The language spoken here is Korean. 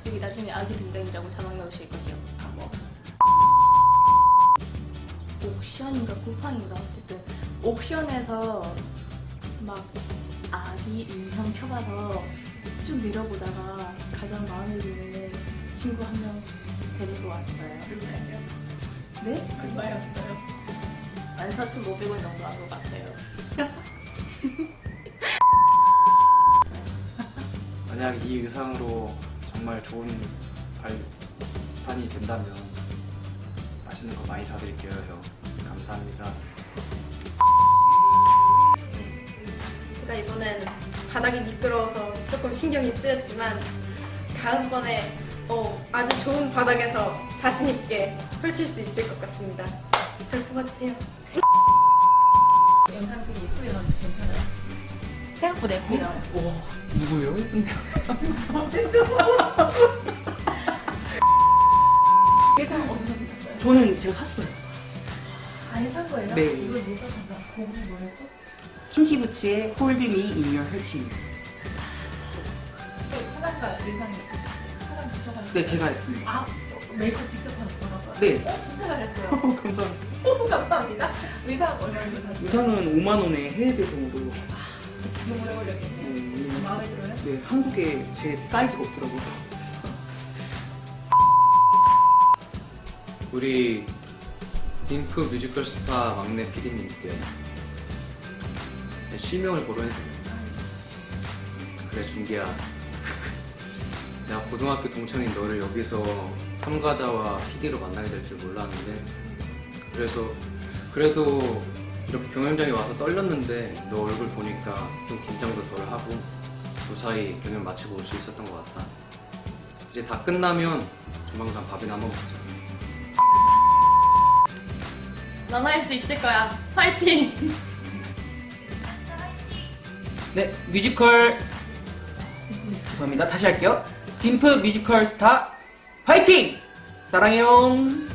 여기 나중에 아기 등장이라고 자막 넣으실 거죠? 뭐 옥션인가 쿠팡인가 어쨌든 옥션에서 막 아기 인형 쳐봐서 좀 밀어보다가 가장 마음에 드는 친구 한 명 데리고 왔어요. 얼마예요? 네? 얼마였어요? 14,500원 정도 한 것 같아요. 만약 이 의상으로 정말 좋은 발판이 된다면 맛있는 거 많이 사드릴게요, 형. 감사합니다. 제가 이번엔 바닥이 미끄러워서 조금 신경이 쓰였지만 다음번에 아주 좋은 바닥에서 자신있게 펼칠 수 있을 것 같습니다. 잘 뽑아주세요. 영상 되게 예쁘게 나와서 괜찮아요. 생각보다 예쁘네요. 오, 누구요? 예쁜데요? 예상 어디서 보셨어요? 저는 제가 샀어요. 아예 산 거예요? 네. 이걸 뭐 사셨나? 곡이 뭐였죠? 킹키부츠의 Hold Me in Your Heart. 화장가 의상이 화장 직접 하는 네, 제가 했습니다. 아, 메이크업 직접 하는 거라고요? 네. 진짜 잘했어요. 감사합니다. 감사합니다. 의상 얼마나 사셨어요? 의상은 5만원에 해외 배송으로. 너무 오래 걸렸겠네요. 마음에 들어요? 네, 한국에 제 사이즈가 없더라고요. 우리 딩프 뮤지컬 스타 막내 PD님께 실명을 보러 했습니다. 그래 준기야, 내가 고등학교 동창인 너를 여기서 참가자와 PD로 만나게 될 줄 몰랐는데, 그래도 이렇게 경연장에 와서 떨렸는데 너 얼굴 보니까 좀 긴장도 덜 하고 무사히 경연 마치고 올 수 있었던 것 같다. 이제 다 끝나면 조만간 밥이나 한번 먹자. 넌 할 수 있을 거야. 파이팅! 네, 뮤지컬. 죄송합니다. 다시 할게요. 딤프 뮤지컬 스타 파이팅! 사랑해요.